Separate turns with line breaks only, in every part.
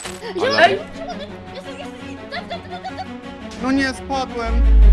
Ale...
Ej!
No nie, spadłem.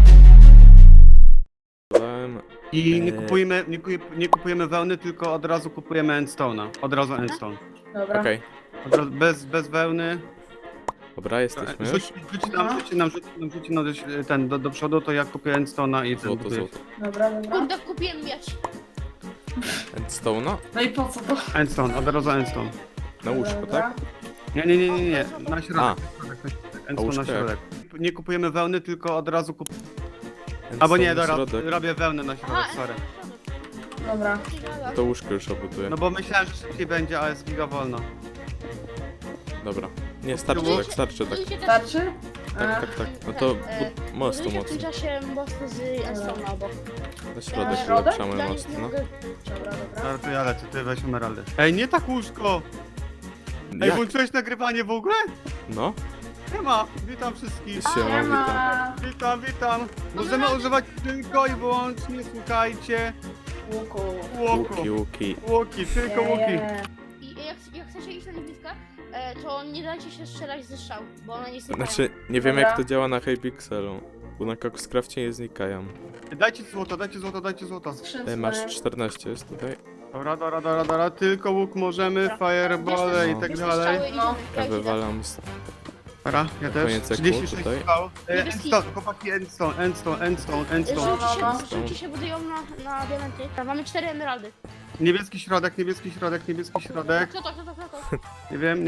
I nie kupujemy wełny, tylko od razu kupujemy endstone'a. Od razu endstone.
Dobra.
Okej,
Od razu, bez wełny.
dobra, jesteśmy już.
Rzuci nam ten do przodu, to ja kupię endstone'a i ten
Złoto,
buduję.
złoto.
Dobra, dobra.
Kurde, kupiłem miecz.
Endstone'a?
No i po co to?
Endstone, od razu endstone.
Na łóżko,
Dobra.
tak?
Nie. Na środek.
A.
Endstone
łóżko
na
jak?
środek. Nie kupujemy wełny, tylko od razu Albo nie,
Endstone na
dobra,
środek.
robię wełnę na środek,
Aha,
sorry.
Dobra.
To łóżko już obuduję.
No bo myślałem, że szybciej będzie, ale jest giga wolno.
Dobra. Nie, starczy tak, starczy tak.
Starczy?
Tak. No to mostu
W tym
mocno.
czasie mostu z Enstone'a obok.
Na środek
Środek?
ulepszamy
Ja
most,
nie
no.
mogę.
Dobra, dobra.
Dobra, to ja lecę, ty weź emeraldy. Ej, nie tak łóżko! Ej,
Jak?
włączyłeś nagrywanie w ogóle?
No?
Nie ma, witam wszystkich.
Siema, witam.
Witam. Możemy używać tylko i wyłącznie, słuchajcie,
Łuku.
Łuki.
łuki, tylko łuki.
I jak chcecie iść na niewidkę, to nie dajcie się strzelać ze strzał, bo one nie znikają.
Znaczy, nie wiem
Dobra.
jak to działa na Hypixelu. Bo na Coxcrafcie nie znikają.
Dajcie złoto.
Skrzynce.
Masz 14 jest tutaj.
Dobra, tylko łuk możemy, firebole i
No.
tak
Bierzcie
dalej.
strzały i
No.
idziemy.
Ja
idę.
wywalam
Dobra, ja też.
Koniec ekru
36
tutaj.
strzał.
Niebieski.
Endstone, chłopaki, endstone.
Żółci się budują na diamenty. Mamy 4 emeraldy.
Niebieski środek.
Kto to?
Nie wiem.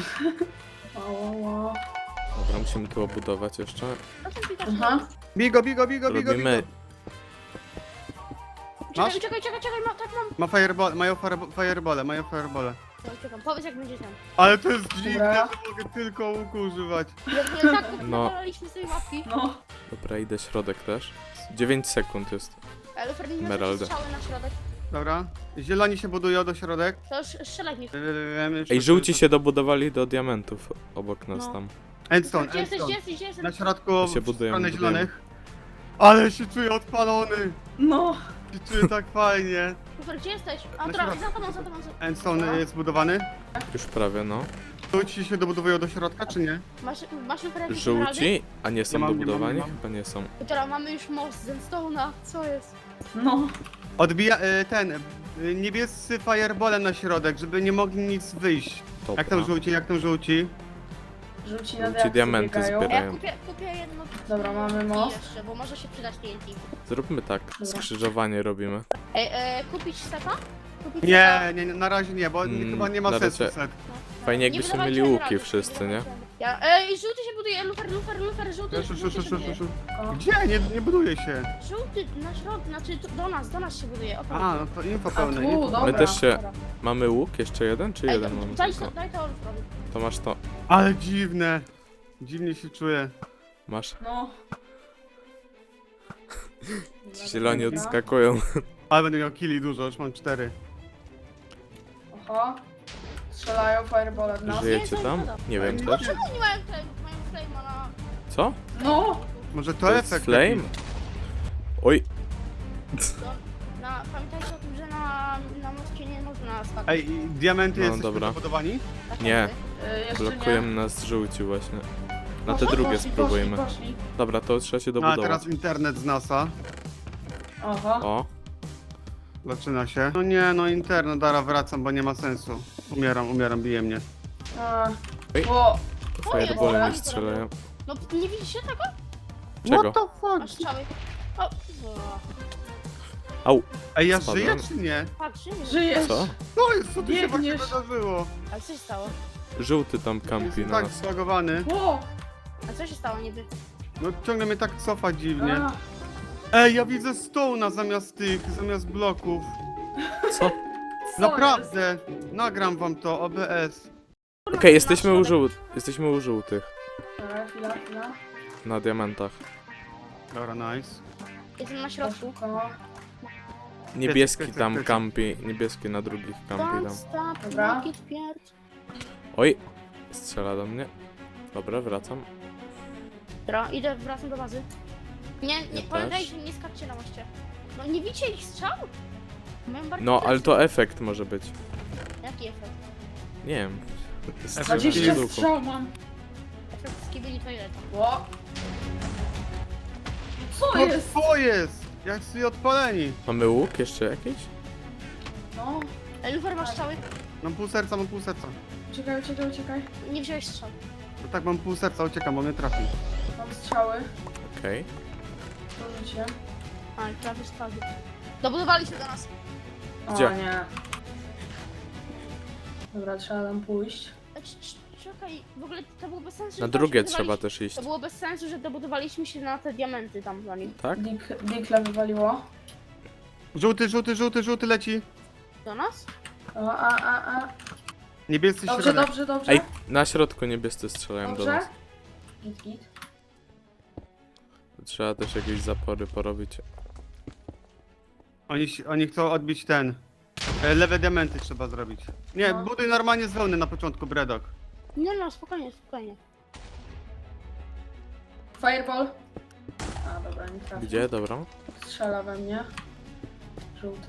O.
Dobra, musimy tu obudować jeszcze.
Proszę klikać.
Aha.
Bigo.
Robimy...
Masz?
Czekaj, tak mam.
Mają firebole.
Czekam, powiedz jak będzie tam.
Ale to jest dziwne,
Dobra.
że mogę tylko łuku używać.
Jak tak
No.
napalaliśmy sobie łapki.
No.
Dobra, idę środek też. 9 sekund jest.
Ale Ferdi nie
Emeraldy.
strzały na środek.
Dobra. Zieloni się budują do środek.
To już strzelaj w nich.
Ej, żółci się dobudowali do diamentów obok nas
No.
tam.
Endstone.
Gdzie jesteś?
Na środku
To się
w
budujemy,
stronę
budujemy.
zielonych. Ale się czuję odpalony.
No.
Się czuję tak fajnie.
Lufer, gdzie jesteś? A
Na
dobra,
środku.
za tobą.
Endstone jest zbudowany.
Już prawie, no.
Żółci się dobudowują do środka, czy nie?
Masz Lufer jakieś
Żółci? A nie są
Nie mam, nie mam,
dobudowani?
nie mam.
Chyba nie są.
Dobra, mamy już most z Enstone'a. Co jest?
No.
Odbija niebiescy firebole na środek, żeby nie mogli nic wyjść.
Dobra.
Jak tam żółci?
Rzuci na
Żółci
diaksy
diamenty
biegają.
zbierają.
Ja kupię jedno.
Dobra, mamy most.
Jeszcze, bo może się przydać TNT.
Zróbmy tak, skrzyżowanie robimy.
Ej, kupić seta? Kupić
Nie,
seta?
na razie nie, bo chyba nie ma
na
sensu
razie-
set.
Fajnie
Nie
jakbyśmy
wydawajcie
mieli
emeraldów,
łuki wszyscy, nie?
Ja, ej, żółty się buduje, Lufer, żółty się buduje.
Gdzie? Nie buduje się.
Żółty na środku, znaczy do nas się buduje. O,
A, no to info
A
pełne.
tu,
Info.
dobra.
My też się...
Dobra.
Mamy łuk? Jeszcze jeden? Czy
Ej,
jeden mamy tylko?
daj to Luferowi.
To masz to.
Ale dziwne. Dziwnie się czuję.
Masz.
No.
Zieloni
Dobra.
odskakują.
Ale będę miał killi dużo, już mam 4.
Oho. Strzelają firebole w nas.
Żyjecie tam? Nie wiem
Nie.
też.
Czemu nie mają flame'a na...
Co?
No.
Może to
To jest
efekt
flame?
jakiś.
Oj,
Pamiętajcie o tym, że na moście nie można skakać.
Ej, i diamenty
No,
jesteśmy
dobra.
zabudowani?
Tak
nie.
jakby.
Jeszcze
blokujemy nas żółci właśnie. Na te
Poszli,
drugie
poszli,
spróbujmy.
Poszli.
Dobra, to trzeba się
No a
dobudować.
teraz internet z NASA.
Oho.
O,
Zaczyna się. No nie, no internet, dara wracam, bo nie ma sensu. Umieram, bije mnie.
A.
Ej.
O.
firebole
Dobra.
mi strzelają.
No nie widzicie tego?
Czego?
What the fuck?
Masz strzały. O,
Au,
Ej, ja
Spadłem.
żyję czy nie?
patrz, nie
Żyjesz.
co?
No jest, co tu się właśnie
Biegniesz.
wydarzyło?
Ale co się stało?
Żółty tam kampi
Jestem
na
tak
nas.
zbagowany.
O.
A co się stało niby?
No ciągle mnie tak cofa dziwnie.
A.
Ej, ja widzę stołna zamiast bloków.
Co?
Co
Naprawdę. Nagram wam to, OBS.
Okej, jesteśmy u żółtych.
Dobra, chwila.
Na diamentach.
Dobra, nice.
Jestem na środku.
Szybko.
Niebieski
Pyk.
tam kampi. Niebieski na drugich kampi
Don't
tam.
stop,
Dobra.
make it pierd.
Oj, strzela do mnie. Dobra, wracam.
Dobra, wracam do bazy. Nie,
Ja
pamiętaj,
też.
że nie skaczcie na moście. No nie widzicie ich strzał? Mają bardziej
No, ale
plecy.
to efekt może być.
Jaki efekt?
Nie wiem. Strzelam
20
z łuku.
strzał mam.
Efekt skibili toileta.
Ło. Co
No
jest?
co jest? Jak sobie odpaleni.
Mamy łuk jeszcze jakiś?
No.
Lufer masz strzały?
Mam pół serca, mam pół serca.
Uciekaj, uciekaj, uciekaj.
Nie wziąłeś strzał.
No tak, mam pół serca, uciekam, bo mnie trafi.
Mam strzały.
Okej.
To życie.
A, i prawie spadł. Dobudowali się do nas.
O
Gdzie?
nie. Dobra, trzeba tam pójść.
Czekaj, w ogóle to było bez sensu,
Na
że tam
drugie
się
trzeba
budowaliśmy-
też iść.
To było bez sensu, że dobudowaliśmy się na te diamenty tam za nim.
Tak?
Dikle wywaliło.
Żółty, żółty, żółty, żółty leci.
Do nas?
O, a.
Niebiescy
Dobrze,
środek.
dobrze, dobrze.
Ej, na środku niebiescy strzelają do
Dobrze.
nas.
Git.
Trzeba też jakieś zapory porobić.
Oni chcą odbić ten. Lewe diamenty trzeba zrobić. Nie,
No.
buduj normalnie z wełny na początku, Bredok.
Nie no, spokojnie, spokojnie.
Fireball. A, dobra, nie trafił.
Gdzie? Dobra.
Strzela we mnie. Żółty.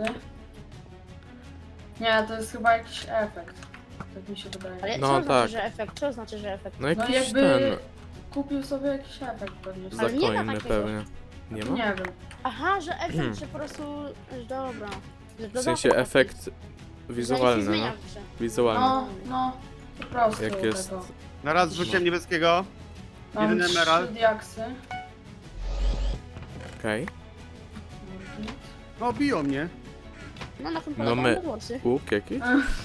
Nie, to jest chyba jakiś efekt. Tak mi się wydaje.
Ale
No
co
tak.
znaczy, że efekt? Co znaczy, że efekt?
No
No
jakiś
jakby
ten.
kupił sobie jakiś efekt pewnie.
Ale nie ma
Zakojny
takiego.
pewnie. Nie ma?
Nie wiem.
Aha, że efekt, że po prostu... Dobra. Że
W sensie
dodatek
efekt
taki.
wizualny,
Że nic nie
no.
zmienia w grze.
Wizualny.
No, po prostu
Jak jest-
tego.
Na raz rzuciłem niebieskiego.
Mam
jeden
3
emerald.
diaksy.
Okej.
No, biją mnie.
No na tym
No
polegają
my-
te włosy.
Łuk jakiś?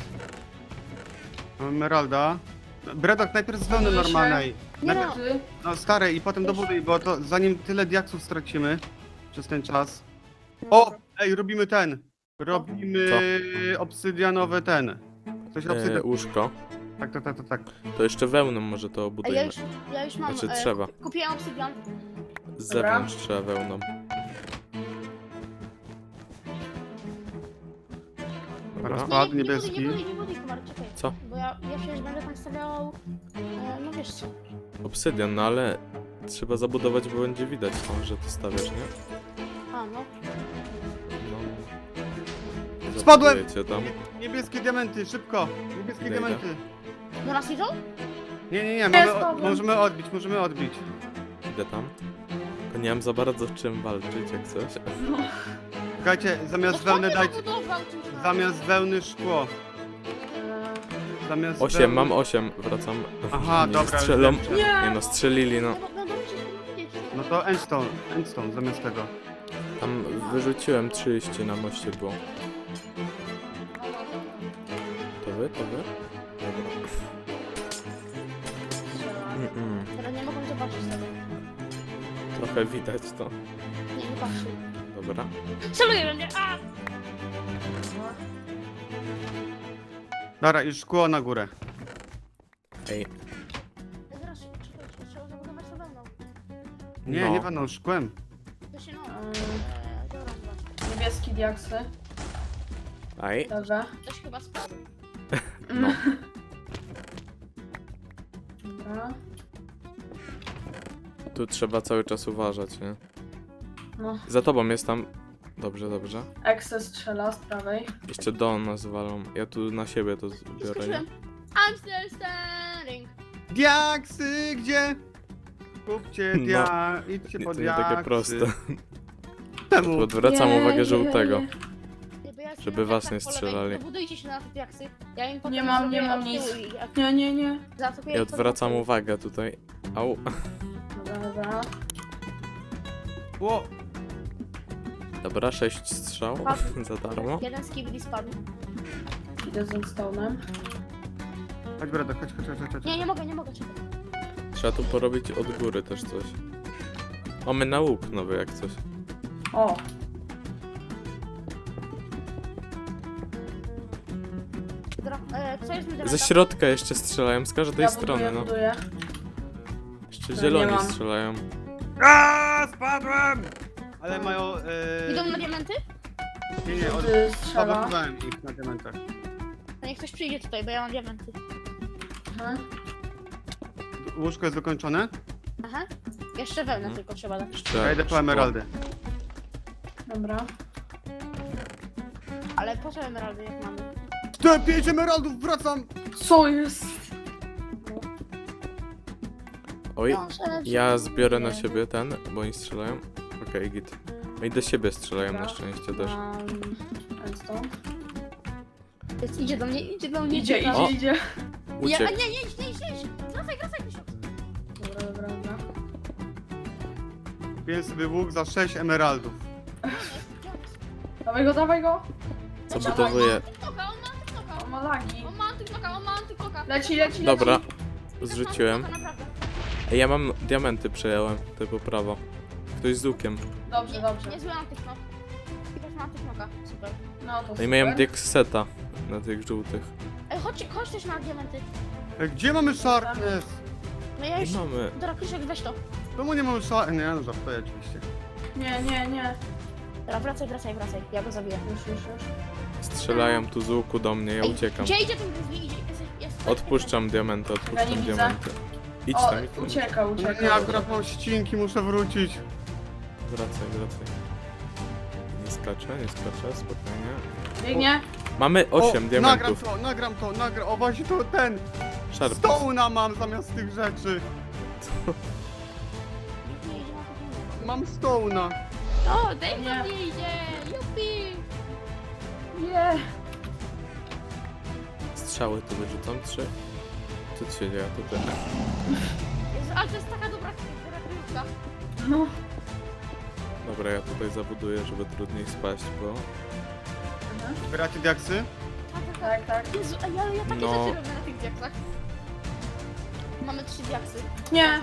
Mam emeralda. Bredok, najpierw z wełny
Buduje się.
normalnej.
Nie
Najpierw,
no,
Ty?
no starej i potem dobuduj, bo to zanim tyle diaksów stracimy przez ten czas. O! Ej, robimy ten. Robimy obsydianowy ten. Coś obsydian.
Łóżko.
Tak.
To jeszcze wełną może to
Ej,
obudujemy.
ja już mam...
Znaczy trzeba.
Kupiłem obsydian.
Z zewnątrz trzeba wełną. Dobra.
Spadł
Nie
niebieski.
buduj, Kumar, czekaj.
Co?
Bo ja przecież będę tam stawiał... no wiesz co.
Obsydian, no ale trzeba zabudować, bo będzie widać tam, że to stawiasz, nie?
A, no.
No.
Spadłem!
Zabudujecie tam.
Niebieskie diamenty, szybko! Niebieskie
Idę.
diamenty.
Do nas idą?
Nie,
spadłem.
możemy odbić.
Idę tam. Tylko nie mam za bardzo czym walczyć, jak coś.
Słuchajcie, zamiast
No
wełny
skąd
dajcie...
ty zabudował czymś na-
Zamiast wełny szkło. Zamiast
8,
wełny...
mam 8, wracam.
Aha,
Nie
dobra.
strzelą.
już wiem.
Nie no, strzelili, no.
No musisz to wiedzieć.
No to endstone zamiast tego.
Tam wyrzuciłem 30 na moście było. To wy? To wy? Dobra.
Teraz nie mogą zobaczyć tego.
Trochę widać to.
Nie patrzy.
Dobra.
Celuję we mnie! A!
Dobra, już szkło na górę.
Ej,
Zaraz, czekaj, trzeba zabudować to wełną.
Nie,
No.
nie będą szkłem.
To się no... dobra.
Niebieski diaksy.
aj.
Dobrze.
Ktoś chyba spadł.
No.
Dobra.
Tu trzeba cały czas uważać, nie?
No.
Za tobą jest tam. Dobrze, dobrze.
Exe strzela z prawej.
Jeszcze do nas walą. Ja tu na siebie to
I
biorę, nie?
skoczyłem. I'm still standing.
Diaksy, gdzie? Kupcie idźcie
Nie,
po
to nie
diaksy.
takie proste.
Czemu?
Odwracam
Nie,
uwagę
nie,
żółtego.
nie.
Bo ja
Żeby was
tak
nie
po lewej,
strzelali.
Dobudujcie się na te diaksy. Ja im potem
Nie mam
zrobię od
nic.
tyłu i jak
Nie.
zaatakuję,
I
to
odwracam
zaatakuję.
uwagę tutaj. Au.
Dobra.
Ło,
Dobra, 6 strzał
Padł.
za darmo.
Jeden z kibli spadł.
Idę z stone'em.
chodź Bredok, chodź.
Nie mogę, czekaj.
Trzeba tu porobić od góry też coś. Mamy na łuk nowy jak coś.
O!
Co jest mi
Ze środka jeszcze strzelają, z każdej strony, no.
buduję.
Jeszcze
No,
zieloni
nie mam.
strzelają.
Spadłem! Ale mają...
Idą na diamenty?
Nie,
Żółty strzela.
odbudowałem ich na diamentach.
To niech ktoś przyjdzie tutaj, bo ja mam diamenty.
Mhm.
Łóżko jest dokończone?
Aha. Jeszcze wełnę tylko trzeba dać.
Jeszcze
Ja idę po
szkło.
emeraldy.
Dobra.
Ale po co emeraldy jak mamy?
Te 5 emeraldów, wracam!
Co jest?
Oj,
Proszę,
ja zbiorę na
Nie.
siebie ten, bo oni strzelają. Okej, git. No i do siebie strzelają na
Dobra.
szczęście też.
Redstone.
Idzie do mnie, idzie do mnie.
Idzie,
O.
idzie.
Uciekł.
Nie, idź. Wracaj, Krzysiu.
Dobra.
Kupiłem sobie łuk za 6 emeraldów.
Dawaj go.
Co budowuje?
TikToka, on ma TikToka.
On ma lagi.
On ma TikToka.
Leci.
Dobra, zrzuciłem.
Naprawdę.
Ej, ja mam diamenty, przejąłem. Ty po prawo. Ktoś z łukiem.
Dobrze.
Niezły antyknok. Tylko ma antyknoka. Super.
No to
No i
super.
miałem diakseta na tych żółtych.
Ej, chodź też na diamenty.
Gdzie mamy sharpness?
No ja już...
I mamy.
Dobra, Krzysiek, weź to.
Czemu nie mamy sharpness? Nie, no żartuję oczywiście.
Nie.
Dobra, wracaj. Ja go zabiję.
Już.
Strzelają tu z łuku do mnie, ja
Ej,
uciekam.
Gdzie idzie ten grizzly? Jest.
Odpuszczam diamenty,
Ja
odpuszczam
nie widzę.
diamenty. Idź
O,
tam, idź tam.
ucieka.
No nie, akurat mam ścinki, muszę wrócić.
Wracaj. Nie skaczę, spokojnie.
Biegnie.
Mamy 8 diamentów.
Nagram to. O właśnie to ten.
Sharp.
Stone'a mam zamiast tych rzeczy. Mam stone'a.
O, Dave
Nie.
do mnie idzie! Jupi!
Nie.
Strzały tu wyrzucam 3. Co tu się dzieje tutaj?
Jezu, ale to jest taka dobra kryjówka.
No.
Dobra, ja tutaj zabuduję, żeby trudniej spaść, bo...
Zbieracie diaksy?
Tak.
Jezu, ej, ale ja takie
No.
rzeczy robię na tych diaksach. Mamy 3 diaksy.
Nie.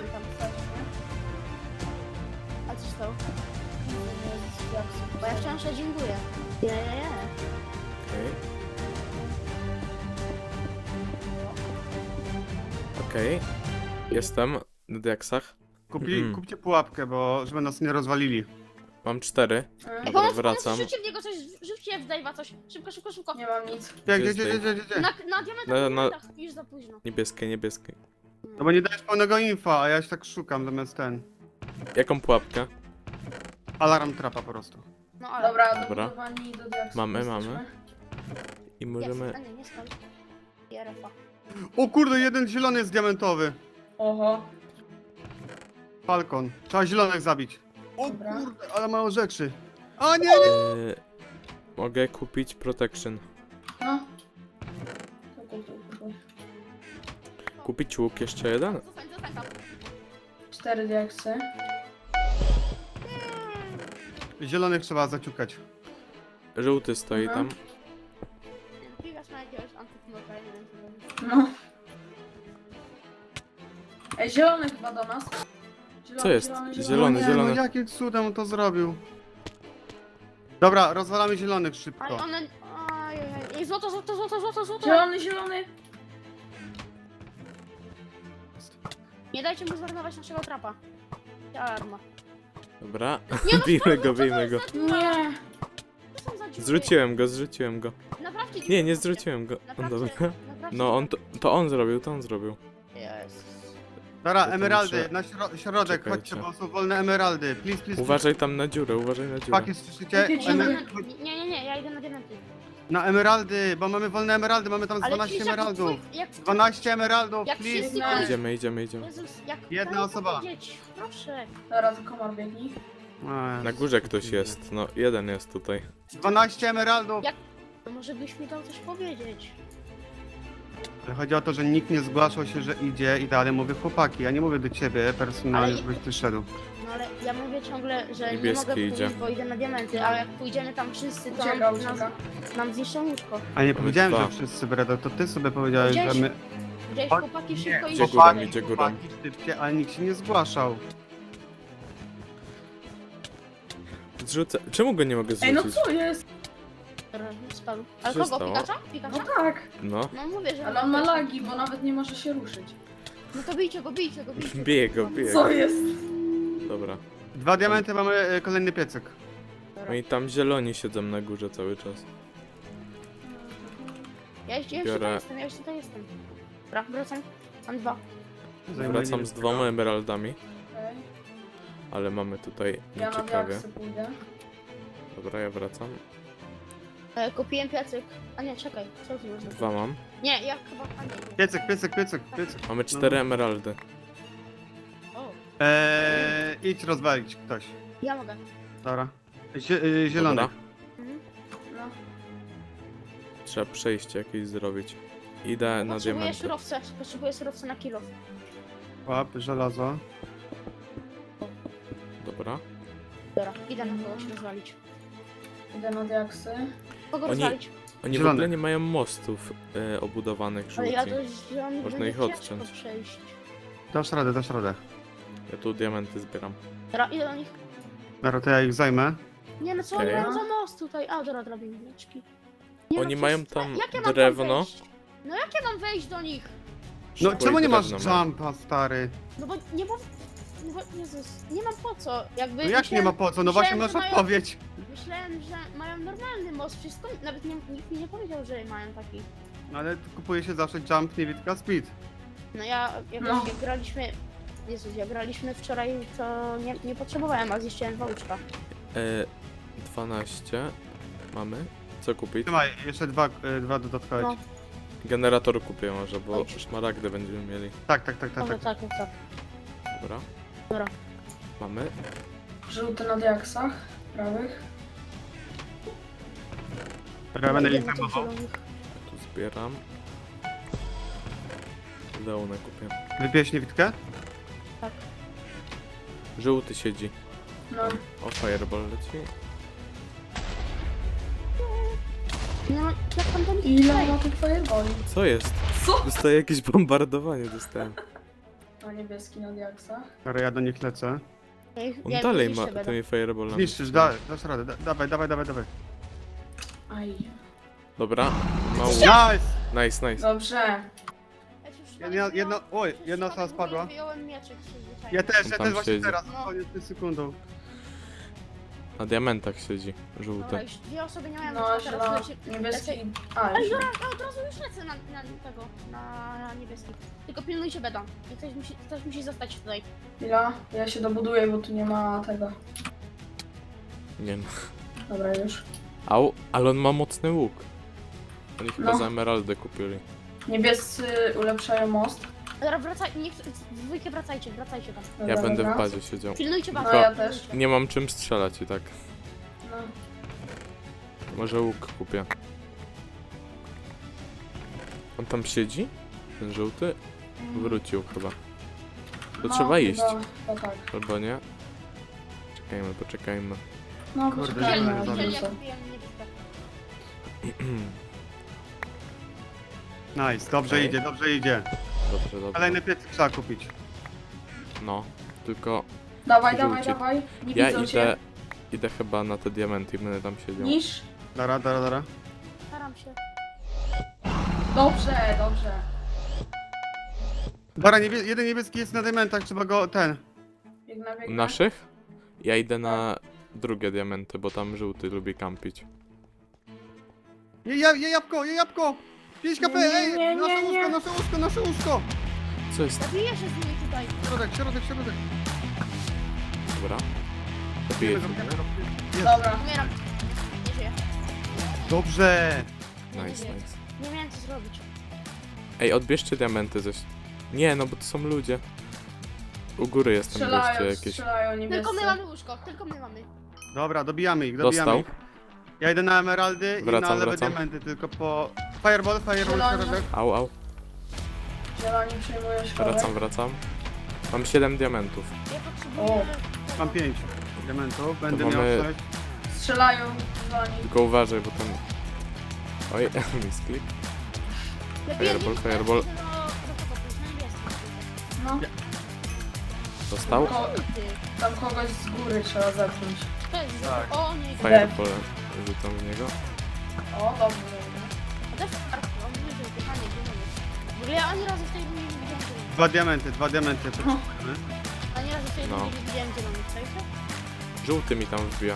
A co się stało? Bo ja wciąż się dziękuję. Nie.
Okej. Okej. Jestem na diaksach.
Kupcie pułapkę, bo żeby nas nie rozwalili.
Mam 4.
Ej,
Dobra, wracam.
Rzućcie w niego coś, rzućcie w Dave'a coś. Szybko.
Nie mam nic.
Gdzie?
Na diamentach,
Na-
już za późno.
Niebieskie.
No bo nie dajesz pełnego infa, a ja się tak szukam zamiast ten.
Jaką pułapkę?
Alarm trapa po prostu.
No ale...
Dobra,
Dobra.
dobudowani do diaksu.
Mamy.
jesteśmy.
I możemy...
Jest. A nie skąd. IRF-a.
O kurde, jeden zielony jest diamentowy.
Oho.
Falcon. Trzeba zielonych zabić. O
Dobra.
kurde, ale mało rzeczy. A nie!
Mogę kupić protection.
No. Kupuj.
Kupić łuk jeszcze jeden?
Zostań tam.
4 diaksy.
Zielonych trzeba zaciukać.
Żółty stoi
Aha.
tam.
Bigasz na jakiegoś antyknoka, nie wiem.
No. Ej, zielony chyba do nas.
Co jest?
No
Zielony.
No jakim cudem on to zrobił? Dobra, rozwalamy zielonych
Ale
szybko.
one... Ej, złoto.
Zielony.
Nie dajcie mu zmarnować naszego trapa. Alarma.
Dobra.
Nie, no
bijmy go.
Nie.
Co są za dziury?
Zrzuciłem go.
Naprawcie dziurę.
Nie, nie zrzuciłem go.
Naprawcie,
Dobra.
naprawcie
No on to on zrobił,
Jest.
Dobra,
to
emeraldy,
muszę-
na środek,
Czekajcie.
chodźcie, bo są wolne emeraldy. Please.
Uważaj tam na dziurę.
Chłopaki, słyszycie?
Jakie dziury?
Nie, ja idę na diamenty.
Na emeraldy, bo mamy wolne emeraldy, mamy tam 12
Krzysiek,
emeraldów.
jak
12 emeraldów,
Jak
please.
wszyscy
No.
Idziemy.
Jezus, jak
Jedna
daję
osoba.
powiedzieć? Proszę.
Dobra, to komar biegnij.
Na górze ktoś jest. No, jeden jest tutaj.
12 emeraldów.
Jak- To może byś mi dał coś powiedzieć.
Ale chodzi o to, że nikt nie zgłaszał się, że idzie i dalej mówię chłopaki, ja nie mówię do ciebie personalnie,
Ale-
żebyś ty szedł.
No ale ja mówię ciągle, że
Niebieski
nie mogę
idzie.
powiedzieć, bo idę na diamenty, ale jak pójdziemy tam wszyscy, to
Ucieka.
nam zniszczą łóżko.
A nie powiedziałem,
dwa.
że wszyscy Bredo, to ty sobie powiedziałeś, że my...
Gdzieś
O,
chłopaki
nie,
szybko
Idzie
idzie.
górą, idzie górą.
Chłopaki szybcie, ale nikt się nie zgłaszał.
Zrzucę. Czemu go nie mogę
Ej, no
zrzucić?
co jest?
Spadł. Ale
Co
kogo?
stało?
Pikacza?
No
Pikacza?
tak.
No.
No mówię, że...
Ale on ma lagi, bo nawet nie może się ruszyć.
No to bijcie go.
Bije go.
Co jest?
Dobra.
2 diamenty, mamy kolejny piecyk.
No i tam zieloni siedzą na górze cały czas.
Ja jeszcze
Biorę-
tutaj jestem. Dobra, wracam. Mam 2.
Wracam z 2 emeraldami,
Okej.
ale mamy tutaj
Ja na
nieciekawie.
diaksy pójdę.
Dobra, ja wracam.
Kupiłem piecyk. A nie, czekaj. Co tu można?
2 mam.
Nie, ja chyba... A nie.
Piecyk.
Mamy 4 emeraldy.
Idź rozwalić ktoś.
Ja mogę.
Dobra. Zielony.
Dobra.
Mhm.
No.
Trzeba przejście jakieś zrobić. Idę na
Potrzebuję
diamenty.
surowce na kilo.
Łap, żelazo.
Dobra.
Dobra, idę na kogoś rozwalić.
Idę na diaksy.
Kogo
Oni-
rozwalić?
Oni w
Zielony.
ogóle nie mają mostów obudowanych
Ale ja
żółci.
do zielonych
Można
będzie
ich
ciężko
odciąć.
przejść.
Dasz radę, dasz radę.
Ja tu diamenty zbieram.
Dobra, idę do nich.
Dobra, to ja ich zajmę.
Nie no co
Okej.
oni mają za most tutaj? A, dobra, drabineczki. Nie,
Oni
no,
mają
przecież-
tam
jak ja mam
drewno.
wejść? No jak ja mam wejść do nich?
No
Szybko
czemu
i
nie masz
drewno mają.
jumpa, stary?
No bo nie mam... No bo, Jezus, nie mam po co. Jakby
No jak nie ma po co? No właśnie
myślałem,
masz
że mają-
odpowiedź.
Myślałem, że mają normalny most, wszystko, nawet nikt mi nie powiedział, że mają taki.
No ale tu kupuje się zawsze jump, niewidka speed.
No ja,
No.
jak graliśmy... Jezus, jak graliśmy wczoraj, to nie potrzebowałem, a zniszczyłem wałczka.
12 mamy. Co kupić?
Trzymaj, jeszcze dwa dodatkowe.
No.
Generator kupię może, bo
Chodź.
szmaragdy będziemy mieli.
Tak.
Dobra, tak.
Dobra.
Dobra.
Mamy.
Żółty na diaksach. Prawych.
Dobra, będę ich
Idę na tych
zajmował.
zielonych.
Ja tu zbieram. Leonę kupię.
Wypijesz niewidkę?
Żółty siedzi.
No.
O, fireball leci.
No, jak tam do nich
Ile
przejść?
ma tych fireboli?
Co jest?
Co?
Dostaję jakieś bombardowanie, dostałem.
Na niebieski na diaksach.
Dobra, ja do nich lecę.
On
Ja ich
dalej ma
zniszczę będę.
tymi fireballami.
Zniszczysz, dasz radę. Dawaj.
Aj.
Dobra. Mało.
Nice!
Nice.
Dobrze.
Jedna osoba spadła.
Wyjąłem mieczyk przyzwyczajony.
Ja też
tam
właśnie
siedzi.
teraz,
No.
koniec sekundą.
Na diamentach siedzi.
Dobra,
Żółty.
już dwie osoby nie mają
No,
mieczyka, teraz
zielony,
leci...
niebieski.
lecę-
A,
Ej,
już.
dobra, ja od razu już lecę na niebieski. Tylko pilnujcie beda. I ktoś musi zostać tutaj.
Chwila. Ja się dobuduję, bo tu nie ma tego.
Nie no.
Dobra, już.
Au, ale on ma mocny łuk. Oni chyba
No.
za emeraldę kupili.
Niebiescy ulepszają most.
Dobra, wracaj, niech w dwójkę wracajcie tam.
Dobra,
Ja będę
dobra.
w bazie siedział.
Pilnujcie
No
bazę.
ja też.
Nie mam czym strzelać i tak.
No.
Może łuk kupię. On tam siedzi? Ten żółty? Wrócił chyba. To
No,
trzeba iść.
chyba tak.
Albo nie? Poczekajmy.
No,
Kurde,
poczekajmy.
zielony
aż
zabił.
Jeżeli ja
wrócę.
kupiłem niebieskę.
Nice, dobrze
Okej.
idzie.
Dobrze.
Kolejny piecyk trzeba kupić.
No, tylko
Dawaj,
Żółci.
dawaj. Nie
ja
widzą
idę,
cię.
idę chyba na te diamenty i będę tam siedział.
Niż.
Dobra.
Staram się.
Dobrze.
Dobra, jeden niebieski jest na diamentach, trzeba go
Biegnę.
Naszych? Ja idę na drugie diamenty, bo tam żółty lubi kampić.
Je jabłko! 5 kp,
Nie,
ej!
nie, nie.
Nasze łóżko!
Co jest?
Zabiję się z nimi tutaj.
Środek.
Dobra. Zabiję cię.
Dobra.
Umieram. Nie żyję.
Dobrze!
Nice.
Nie miałem co zrobić.
Ej, odbierzcie diamenty ze... Nie, no bo to są ludzie. U góry jest tam goście jakieś.
Strzelają niebiescy.
Tylko my mamy łóżko, tylko my mamy.
Dobra, dobijamy ich.
Dostał.
Ja idę na emeraldy i na
Wracam.
lewe diamenty, tylko po... Fireball,
Zielony.
środek.
Au.
Zieloni przejmują środek.
Wracam. Mam 7 diamentów.
Ja potrzebuję...
Mam 5 diamentów, będę
To
miał
mamy-
6.
Strzelają zieloni.
Tylko uważaj, bo tam... Oj, misklik. Fireball.
No.
Dostał?
Tam kogoś z góry trzeba zepchnąć.
Tak.
O, nie.
Fireball. Rzucam w niego.
O, dobrze.
A też on nie żył, pytanie, gdzie on jest? W ogóle ja ani razu w tej rundzie nie widziałem zielonych.
2 diamenty potrzebujemy.
Ani razu w tej
No.
rundzie nie widziałem zielonych, czajcie?
Żółty mi tam wbija.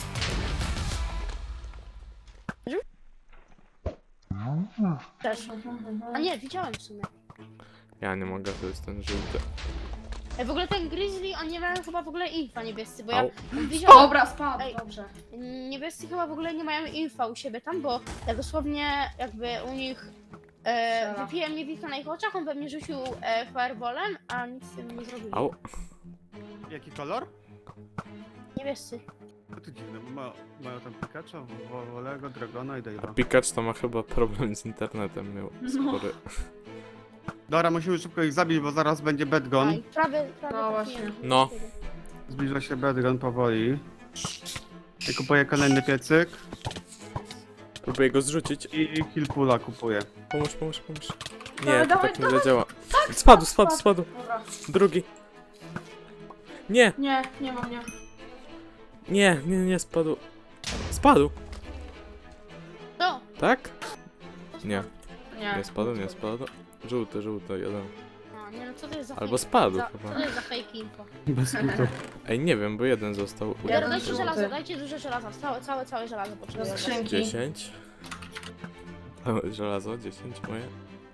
Też. A nie, widziałem w sumie.
Ja nie mogę, to jest ten żółty.
W ogóle ten Grizzly, oni nie mają chyba w ogóle infa niebiescy, bo ja
Au.
widziałem...
Dobra, spadł,
Ej.
dobrze.
Niebiescy chyba w ogóle nie mają infa u siebie tam, bo ja dosłownie jakby u nich
Strzela.
wypiłem niewidka na ich oczach, on we mnie rzucił fireballem, a nic z tym nie zrobił.
Au.
Jaki kolor?
Niebiescy.
No to dziwne, bo mają tam Pikacha, Wolego, Dragona i
A
Dave'a.
Pikachu to ma chyba problem z internetem, miał spory.
Dobra, musimy szybko ich zabić, bo zaraz będzie Bedgon.
Aj, prawie
No
trafiłem.
właśnie.
No.
Zbliża się Bedgon powoli. I kupuję kolejny piecyk.
Próbuję go zrzucić.
I Killpula kupuję.
Pomóż. Nie,
Dawaj,
to
dawaj,
tak nie zadziała. Spadł.
Dobra.
Drugi. Nie,
Nie mam, nie.
nie, spadł. Spadł,
To!
tak? Nie,
Nie.
nie spadł. Żółty, jeden.
A, nie no co to jest za
Albo
fake-
spadł
za,
chyba.
Co to jest za fake info?
Bez kitu.
Ej, nie wiem, bo jeden został.
Jeden
Dajcie
żółty.
żelazo, dajcie dużo żelaza. Całe żelazo
Do
potrzebuję.
skrzynki.
10. Żelazo, 10 moje.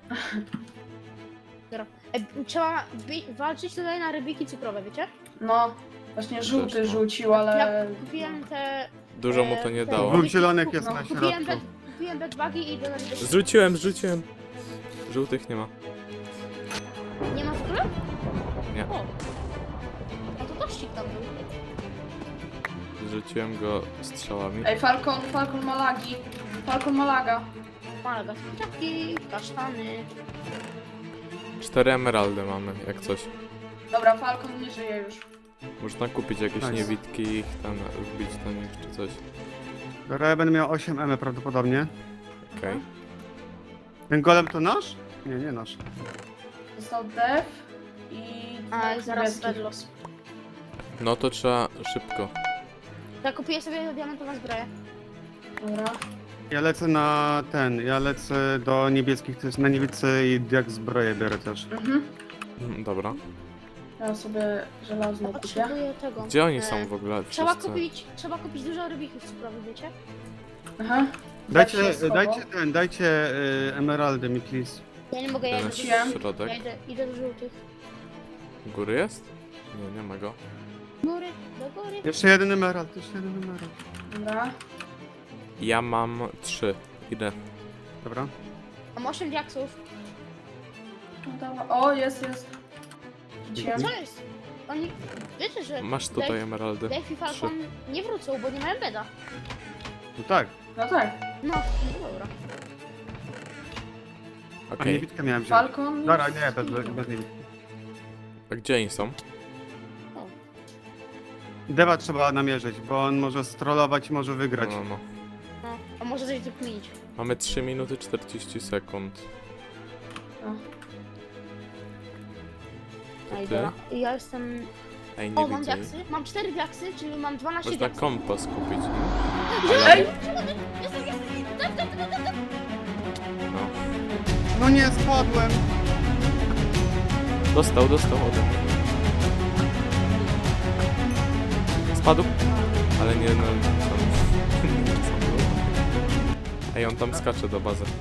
Trzeba walczyć tutaj na rybiki cukrowe, wiecie?
No. Właśnie żółty
Też, no.
rzucił, ale...
Ja kupiłem te...
Dużo mu to nie
te-
dało.
Dwóch zielonych jest
No,
na
Kupiłem,
środku.
kupiłem bedbugi i idę na rybiki.
Zrzuciłem. Żółtych nie ma.
Nie ma w ogóle?
Nie.
O. No to tościk tam był.
Zrzuciłem go strzałami.
Ej, Falcon ma lagi. Falcon ma laga.
Malaga, kwiatki, kasztany.
4 emeraldy mamy, jak coś.
Dobra, Falcon nie żyje już.
Można kupić jakieś
Nice.
niewidki i ich tam wbić do nich czy coś.
Dobra, ja będę miał 8 M prawdopodobnie.
Okej.
Ten golem to nasz? Nie nasz.
Został Dev i...
A
dwóch
zaraz
niebieskich.
Bedlos.
No to trzeba szybko.
Ja kupię sobie diamentową zbroję.
Dobra.
Ja lecę do niebieskich, to jest na niebiescy i jak zbroję biorę też.
Dobra.
Ja sobie żelazną kupię.
Potrzebuję tego.
Gdzie oni
E,
są w ogóle?
Trzeba
Wszyscy?
kupić dużo rybików cukrowych, wiecie?
Aha.
Dajcie,
Tak się schował.
dajcie emeraldy mi, please.
Ja nie mogę, ja
Ten
idę,
Wróciłem.
środek.
idę do żółtych.
Góry jest? Nie ma go.
Góry, do góry.
Jeszcze jeden emerald.
Dobra.
Ja mam 3. Idę.
Dobra.
Mam 8 diaksów.
No dawaj. O, jest. Rzuciłem.
Co jest? Oni... Wiecie, że
Masz tutaj emeraldy.
Dave i Falcon nie wrócą, bo nie mają beda.
No tak.
No tak.
No dobra.
A
Okej.
niewidkę miałem wziąć.
Falcon...
Dobra, nie, bez niewidki.
A gdzie oni są?
Dewa trzeba namierzyć, bo on może strollować i może wygrać.
No.
No, a może coś wykminić.
Mamy 3 minuty 40 sekund.
No i
ty?
dobra. I ja jestem...
Ej,
O,
nie
mam
widzę.
diaksy. Mam 4 diaksy, czyli mam 12
Można
diaksów.
kompas kupić, nie?
Ej!
Jestem.
No.
No nie, spadłem!
Dostał ode mnie. Spadł? Ale nie, no... Ej, on tam skacze do bazy.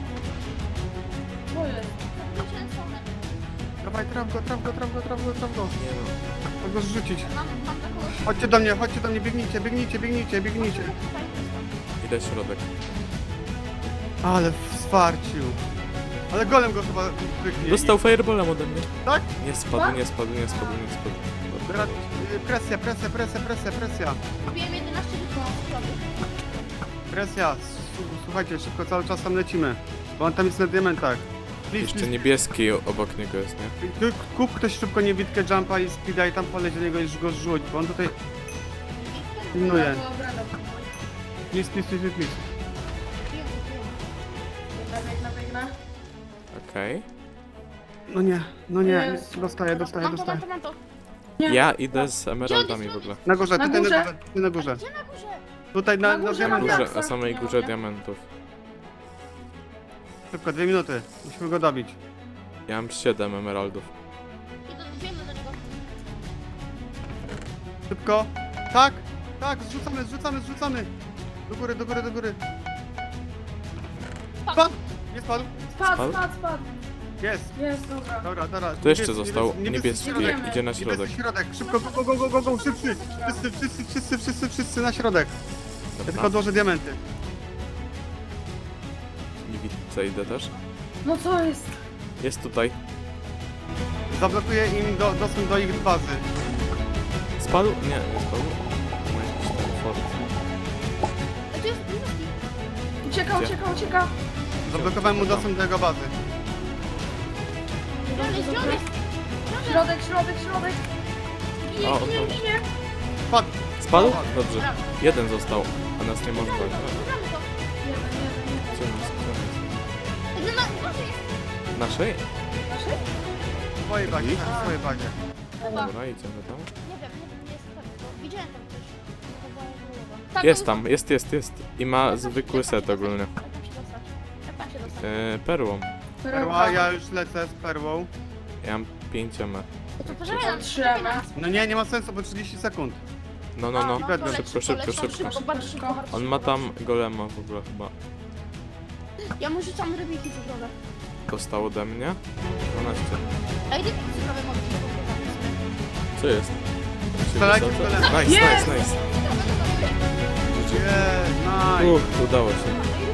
Co jest?
Dawaj, traf go.
Nie no.
Mogę go zrzucić.
Mam taką...
Chodźcie do mnie, biegnijcie.
Idę środek.
Ale wsparcił. Ale golem go chyba wyknie.
Dostał fireballem ode mnie.
Tak?
Nie spadł.
Teraz presja.
Kupiłem 11 diaksów.
Presja. Słuchajcie, szybko cały czas tam lecimy. Bo on tam jest na diamentach.
Jeszcze niebieski obok niego jest, nie?
Kup ktoś szybko niewidkę jumpa i speeda i tam poleć do niego i go zrzuć, bo on tutaj pilnuje.
Dobra.
Please.
Biegnę.
Okej.
No nie,
Jest.
dostaję.
Mam to.
Nie.
Ja idę z emeraldami w ogóle.
Na górze,
Na
tutaj
górze?
na górze.
Gdzie na górze?
Tutaj
Na
na
górze, na
diamentach.
górze.
Na samej
Nie
górze
mogę.
diamentów.
Szybko, 2 minuty. Musimy go dobić.
Ja mam 7 emeraldów.
Biegnę do niego.
Szybko. Tak, zrzucamy. Do góry. Spadł! Nie spadł.
Spadł.
Jest.
Dobra.
Dobra.
To jeszcze został niebieski,
środek.
idzie na środek.
Niebieski środek. Szybko, go, szybciej. Wszyscy na środek. Ja tylko
Dobra.
odłożę diamenty.
Nie widzę, idę też.
No co jest?
Jest tutaj.
Zablokuję im dostęp do ich bazy.
Spadł? Nie, nie spadł. Ma jakiś tam fort.
A tu jest niebieski.
Ucieka,
Gdzie?
ucieka, ucieka.
Zablokowałem mu dostęp do jego bazy.
Zielony.
Środek, środek, środek. Ginie,
O,
ginie,
dobra.
ginie.
Spadł.
Spadł? Dobrze. Jeden został, a nas nie może brać.
Zagramy to.
Jeden, jeden,
Gdzie
jeden.
on jest? Gdzie on jest?
Może jest.
Naszej?
Naszej?
W swojej bazie,
Ich?
w swojej bazie.
Dobra, idziemy tam.
Nie wiem, jest pewnie, bo widziałem tam coś. To była głowa. Tak,
Jest
to
tam, jest. I ma zwykły set ogólnie.
Jak tam się dostać? Jak tam się dostać?
Perłą.
Perła, ja już lecę z perłą.
Ja mam 5 M.
To poczekaj nam,
Trzeba.
No nie ma sensu, bo 30 sekund.
No.
to leć,
Szybko.
Bardzo szybko.
On ma tam golema w ogóle chyba.
Ja mu rzucam rybiki cyfrowe.
Dostał ode mnie. 12.
Ej, rybiki cyfrowe mogę ci
Co jest?
Strzelajcie w golema.
Nice.
Nie, nice.
Udało się.